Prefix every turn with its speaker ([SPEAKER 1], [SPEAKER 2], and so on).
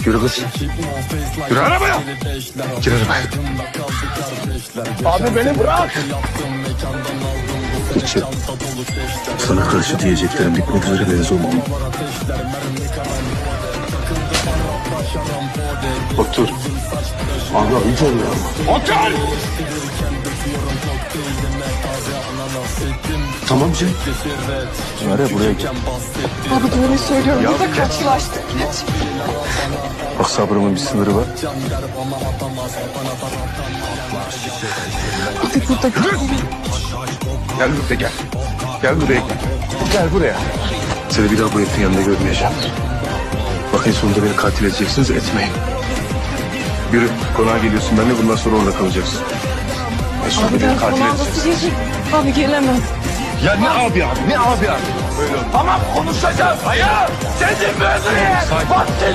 [SPEAKER 1] Yürü kız. Yürü arabaya. Gir arabaya.
[SPEAKER 2] Abi beni bırak.
[SPEAKER 1] İçeri. Sana karşı diyeceklerim bitmek üzere deniz olmam. Otur.
[SPEAKER 2] Abi hiç olmuyor ama.
[SPEAKER 1] Otur!
[SPEAKER 2] Tamam Cem.
[SPEAKER 1] Nereye buraya gel.
[SPEAKER 3] Abi doğruyu söylüyorum.
[SPEAKER 1] Ya,
[SPEAKER 3] Burada
[SPEAKER 1] geç.
[SPEAKER 3] karşılaştık.
[SPEAKER 1] Bak sabrımın bir sınırı var.
[SPEAKER 3] Abi burada
[SPEAKER 1] Gel buraya gel. Gel buraya gel. Gel buraya. Seni bir daha bu herifin yanında görmeyeceğim. Bakın sonunda beni katil edeceksiniz, etmeyin. Yürü, konağa geliyorsun. Ben de bundan sonra orada kalacaksın. Ve sonra
[SPEAKER 3] Abi
[SPEAKER 1] beni
[SPEAKER 3] ben
[SPEAKER 1] katil
[SPEAKER 3] konağa
[SPEAKER 1] edeceksin.
[SPEAKER 3] nasıl geleceğim? Abi gelemem.
[SPEAKER 1] Ya ne abi abi, ne abi abi? Böyle oldu.
[SPEAKER 2] Tamam konuşacağız. Hayır. Seni mi öldüreyim?
[SPEAKER 1] Sakin.
[SPEAKER 2] Bak